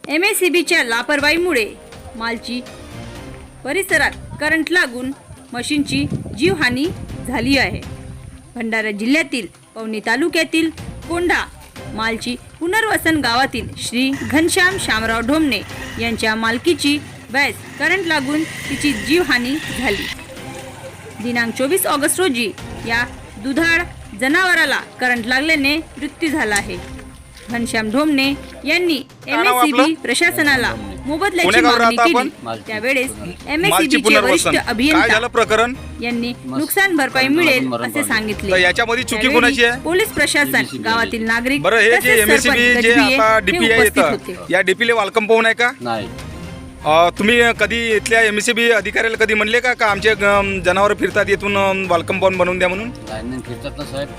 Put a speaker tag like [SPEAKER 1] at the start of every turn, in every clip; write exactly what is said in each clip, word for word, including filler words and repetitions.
[SPEAKER 1] M S C बीच्या लापरवाहीमुळे मालची परिसरात current लागून मशीनची जीवहानी झाली आहे. भंडारा जिल्ह्यातील पवनी तालुक्यातील कोंढा मालची पुनर्वसन गावातील श्री घनश्याम शामराव ढोमणे यांच्या मालकीची बॅस करंट लागून तिची जीवहानी झाली. दिनांक चोवीस ऑगस्ट रोजी या दुधाळ जनावराला करंट लागल्याने मृत्यू झाला आहे. घनश्याम ढोमणे यांनी एम एस सी बी प्रशासनाला मोबदल्याची मागणी केली. त्यावेळेस एम एस सी बीचे वरिष्ठ अभियंता यांनी नुकसान भरपाई मिळेल असे सांगितले.
[SPEAKER 2] याच्यामध्ये चुकी कोणाची आहे?
[SPEAKER 1] पोलीस प्रशासन, गावातील नागरिक,
[SPEAKER 2] बरं, हे जे M S C B J आता डीपी आहे, या डीपीले वालकम पाहून आहे का?
[SPEAKER 3] नाही.
[SPEAKER 2] तुम्ही कधी इथल्या एम एस सी बी अधिकाऱ्याला कधी म्हणले का का आमचे जनावर फिरतात येथून वालकम पाहून बनवून द्या म्हणून?
[SPEAKER 3] लाईनमॅन फिरतात ना साहेब.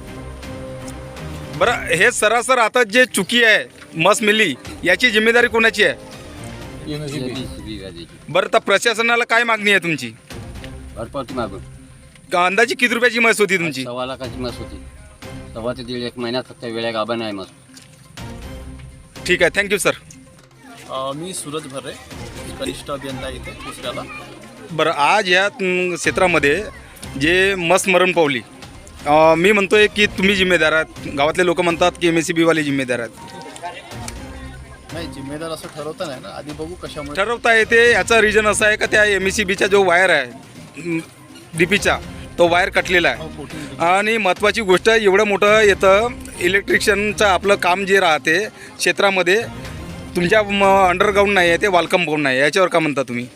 [SPEAKER 2] बरं, हे सरासर आता जे चुकी आहे मस मिली याची जिम्मेदारी कोणाची आहे? बरं, तर प्रशासनाला काय मागणी आहे तुमची?
[SPEAKER 3] भरपावती मागून.
[SPEAKER 2] का अंदाजे किती रुपयाची मस होती तुमची?
[SPEAKER 3] सव्वा लाखाची मस होती. सव्वा ते दीड एक महिन्यात फक्त वेळा गाभण आहे मस.
[SPEAKER 2] ठीक आहे, थँक्यू सर.
[SPEAKER 4] मी सूरज भर्रे, कनिष्ठ अभियंता इथे दुसऱ्याला.
[SPEAKER 2] बरं, आज या अं, क्षेत्रामध्ये जे मस मरण पावली, अं, मी म्हणतोय की तुम्ही जिम्मेदार आहात, गावातले लोक म्हणतात की एम एस सी बीवाले जिम्मेदार आहेत.
[SPEAKER 4] नाही, जिम्मेदार असं ठरवता नाही ना, आधी बघू कशामुळे
[SPEAKER 2] ठरवता येते. याचा रिजन असा आहे का त्या एम एस सी बीचा जो वायर आहे डी पीचा, तो वायर कटलेला आहे. आणि महत्त्वाची गोष्ट, एवढं मोठं येतं इलेक्ट्रिशियनचं आपलं काम जे राहते क्षेत्रामध्ये, तुमच्या अंडरग्राऊंड नाही आहे, ते वालकम पाऊंड नाही. याच्यावर का म्हणता तुम्ही?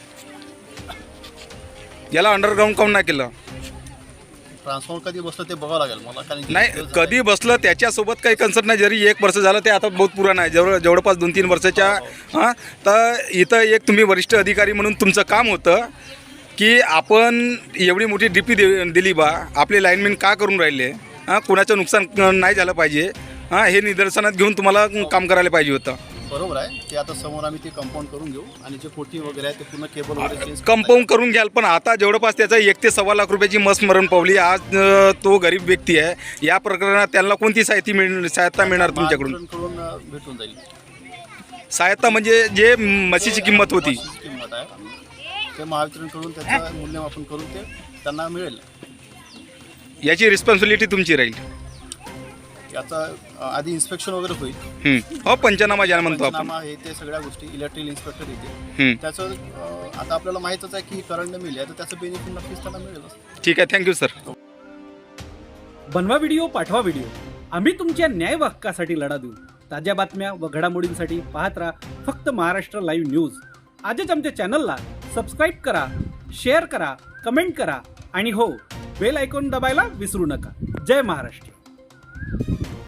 [SPEAKER 2] याला अंडरग्राऊंड काऊन नाही केलं?
[SPEAKER 4] ट्रान्सफॉर्मर कधी बसलं ते बघावं लागेल मला, कारण की
[SPEAKER 2] नाही, कधी बसलं त्याच्यासोबत काही कन्सर्ट नाही. जरी एक वर्ष झालं, ते आता बहुत पुराण आहे, जवळ जवळपास दोन तीन वर्षाच्या. हां, तर इथं एक तुम्ही वरिष्ठ अधिकारी म्हणून तुमचं काम होतं की आपण एवढी मोठी डी पी दे दिली बा, आपले लाईनमॅन का करून राहिले? हां, कुणाचं नुकसान नाही झालं पाहिजे. हां, हे निदर्शनात घेऊन तुम्हाला काम करायला पाहिजे होतं.
[SPEAKER 4] बरोबर आहे. ते आता समोर आम्ही ते कंपाऊंड करून घेऊ आणि जे कोटी वगैरे आहे ते पूर्ण केबल वगैरे चेंज
[SPEAKER 2] कंपाऊंड करून घ्याल. पण आता जवळपास त्याचा एक ते सव्वा लाख रुपयाची मस मरण पावली. आज अं, तो गरीब व्यक्ती आहे. या प्रकरणात त्यांना कोणती सहायता मिळ सहायता मिळणार तुमच्याकडून?
[SPEAKER 4] कडून भेटून जाईल.
[SPEAKER 2] सहायता म्हणजे जे म्हशीची किंमत होती,
[SPEAKER 4] अशीच किंमत आहे, ते महावितरणकडून त्याचं मूल्यमापन करून ते त्यांना मिळेल.
[SPEAKER 2] याची रिस्पॉन्सिबिलिटी तुमची राहील.
[SPEAKER 4] याचा आधी इन्स्पेक्शन वगैरे होईल.
[SPEAKER 2] हं. हो, पंचनामा ज्याला म्हणतो आपण.
[SPEAKER 4] पंचनामा हे ते सगळ्या गोष्टी इलेक्ट्रिकल इन्स्पेक्टर येते.
[SPEAKER 2] हं.
[SPEAKER 4] त्याचं अं, आता आपल्याला माहीतच आहे की करंट मिळेल आहे, तर त्याचं बेनिफिट नक्कीच त्यांना मिळेल.
[SPEAKER 2] ठीक आहे, थँक्यू सर.
[SPEAKER 5] बनवा व्हिडिओ, पाठवा व्हिडिओ. आम्ही तुमच्या न्याय व हक्कासाठी लढा देऊ. ताज्या बातम्या व घडामोडींसाठी पाहत राहा फक्त महाराष्ट्र लाईव्ह न्यूज. आजच आमच्या चॅनलला सबस्क्राईब करा, शेअर करा, कमेंट करा आणि हो, बेल आयकॉन दबायला विसरू नका. जय महाराष्ट्र.